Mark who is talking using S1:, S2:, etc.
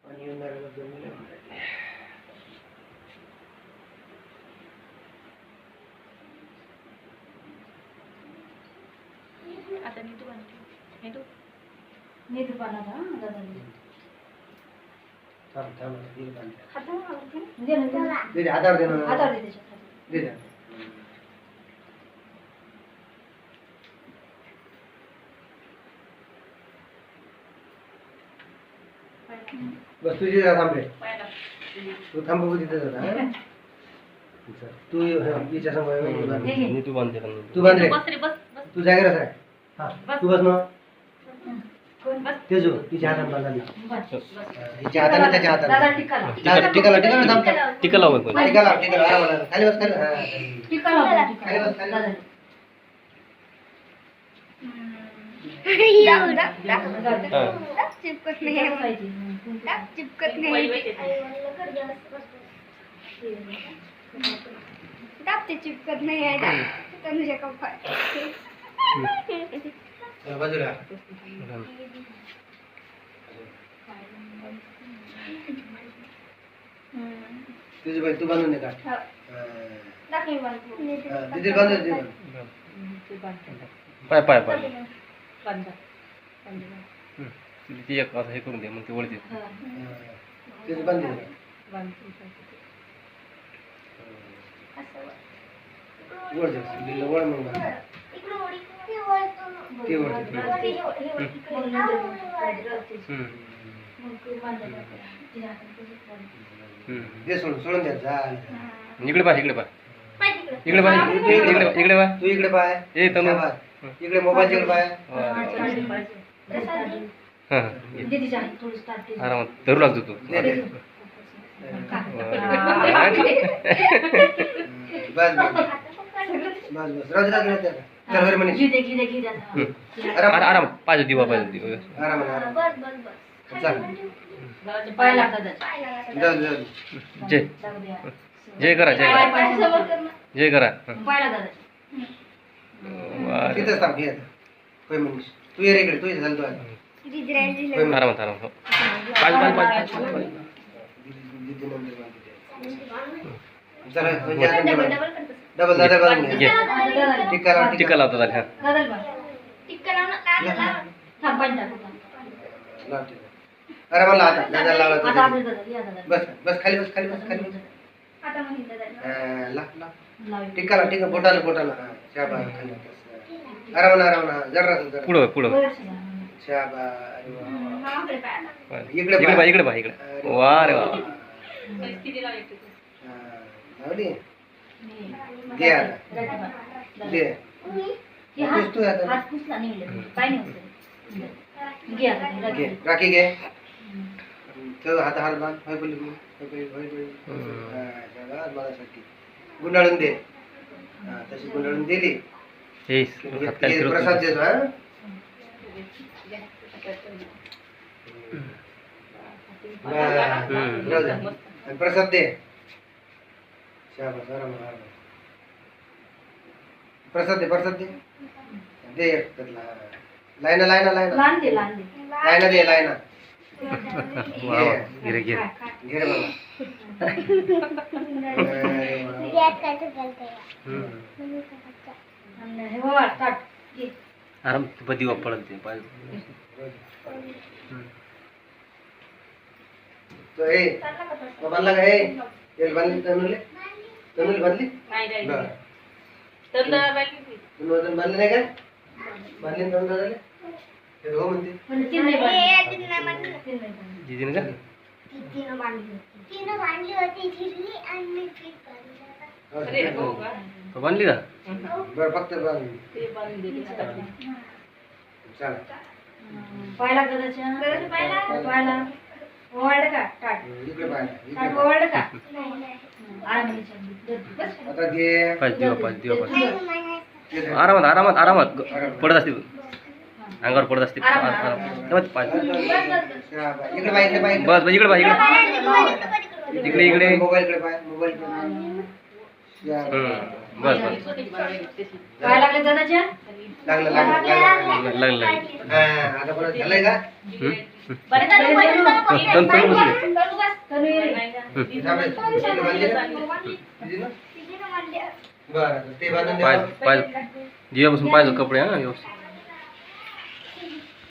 S1: आणि येणाऱ्याला जमलं.
S2: आता नीतू बनते. नीतू
S3: नीतू बनवता दादा
S1: थांब थांब दीदी बांधते.
S3: दे ना
S1: दीदी हातावर दे ना.
S3: हातावर दे त्याच्या
S1: दे दे. बस तुझी जा थांबले.
S2: पायाला
S1: तू थांब बघू तिथे जाता. तू हिच्या समोर
S4: नीतू बांधते का?
S1: तू बांध रे.
S2: बस रे बस बस
S1: तू जागेवर आहे. हा तू बस ना.
S3: कोण
S2: बस
S1: तेजू तिच्या हातात बांधायला.
S3: बस
S1: हिच्या हाताने त्याच्या
S3: दादा
S1: हाताने.
S3: टिका लाव
S1: टिकाला टिकाला थांब.
S4: टिका लाव पण.
S1: टिकाला टिकाला आरामाला. खाली बस खाली. हा.
S3: टिका लाव
S1: खाली
S3: टिका
S1: बस खाली.
S3: दादा
S5: चिपकत नाही चिपकत
S2: वही
S5: नाही
S2: वही
S5: ते चिपकत नाही आहे तनुजा कप्पा
S1: चला बाजूला. तुझी बाई तू बांधून दे का. दीदी बांधून दे.
S4: पाय पाय पाय.
S3: बांधा
S4: ती एक असं हे करून दे मग ती वळते.
S1: तुझी बांधून दे. वर जा. दिलं वर मग बांध. ते वर जा. दे सोडून सोडून द्या. जा.
S4: इकडे पाय इकडे पाय इकडे पाय इकडे पाय.
S1: तू इकडे पाय.
S4: ए तनु.
S1: शाबास. इकडे मोबाईल कडे पाय.
S4: हां
S3: दीदीच्या हात थोडी स्टार्ट
S4: आरामात धरू लागतो तू.
S1: दे दे. बस बस बस बस राजू राजू राजू. चल वर म्हणे.
S3: घे दे
S4: आरामात पाहिजे दिवा पाहिजे दिवा.
S1: आरामात आरामात. चल
S3: पाय लागतात
S1: जाऊ जाऊ.
S4: जय जय करा जय करा जय करा.
S3: पाय लागतात
S4: वा रे.
S1: तिथंच थांब. घे होय मनीष. तू ये रे इकडे. तू ये झालं तू आता. होय मनीष.
S4: आरामात आरामात हो. पाहिजे पाहिजे पाहिजे.
S1: दीदी नंबर बांधते. चला म्हणजे आता डबल दादा बांधून
S4: घे.
S1: घ्या. टिका लाव
S4: टिका लावतात आले. हां
S3: दादाला थांब पाय टाकू
S1: लाव टिका. अरे मला आता दादा लावला
S3: आता
S1: तर
S3: आपल्या दादा या दादा
S1: बस बस खाली बस खाली बस खाली बस.
S5: आता म्हणते
S1: ला ला
S3: लाव
S1: टिका लाव टिका बोटाला बोटाला. हा शाबास. खाली बस. अरे म्हणा जरा जरा.
S4: पुढं पुढं.
S1: शाबास. अरे वा.
S4: इकडे पाय इकडे पाय इकडे. वा रे वा.
S2: किती लावायची
S1: हा, लावली. घे आता. दे. पुस तू आता.
S3: हात पुसला नाही काय नाही होत घे आता
S1: घे राखी घे. ठेव हात हात बांध. होय बोली होय बोली होय बोली. हा शाबास माझ्यासाठी. गुंडाळून दे. हा तशी गुंडाळून दिली.
S4: हे हात काय
S1: हे
S4: फिरवतो.
S1: प्रसाद देतो. हा राहू दे. आणि प्रसाद दे. शाबास. आराम आराम. प्रसाद दे दे एक त्यातला. लायना लायना लायना
S3: लहान दे
S1: लायना दे लायना.
S4: वा वा. गिरे गिरे.
S1: घे रे बाबा.
S3: हे बाबा स्टार्ट घे
S4: आराम दिवा पडत ते पाहिजे.
S1: तो ए बाबाला का ए तेल बांधली तनुले बांधली.
S2: नाही नाही
S1: बरं.
S2: तर बाकी
S1: तनु अजून बांधली नाही का. बांधली ना तनु दादाले. ते हो म्हणते.
S3: म्हणजे तीन नाही बांधले. तीन नाही बांधले.
S4: जिजीने का
S2: अरे हो का
S4: तो बांधली का.
S1: बरं फक्त बांधली.
S2: ते बांधून दिली
S1: चला.
S3: पाय लागतात त्याच्या पायला ओवाळलं का टाट
S1: इकडे पाहिजे.
S3: टाट ओवाळलं का आराम
S1: आता घे.
S4: पाहिजे दिवा पाहिजे आरामात आरामात आरामात पडत असते अंगावर पडत असते.
S1: शाबास. इकडे पाहिजे पाहिजे.
S4: बस बस इकडे पाहिजे इकडे इकडे
S1: मोबाईल कडे पाय. मोबाईल कडे पाय. शाबास.
S4: बस बस
S2: स्वतःची बाळगणी तशी.
S3: काय लागले दादाच्या
S1: लागलं लागलं लागलं
S4: लागलं लागलं
S1: आता परत झालंय का
S3: बरं तनु
S4: तनु बसली
S3: तनु ये रे.
S2: नाही का?
S1: थांबे. तिने बांधली ना? तिने ना? बरं ते बांधून
S4: पाय
S1: द्या
S4: पाय जिवापासून पाहिजे कपडे हा व्यवस्थित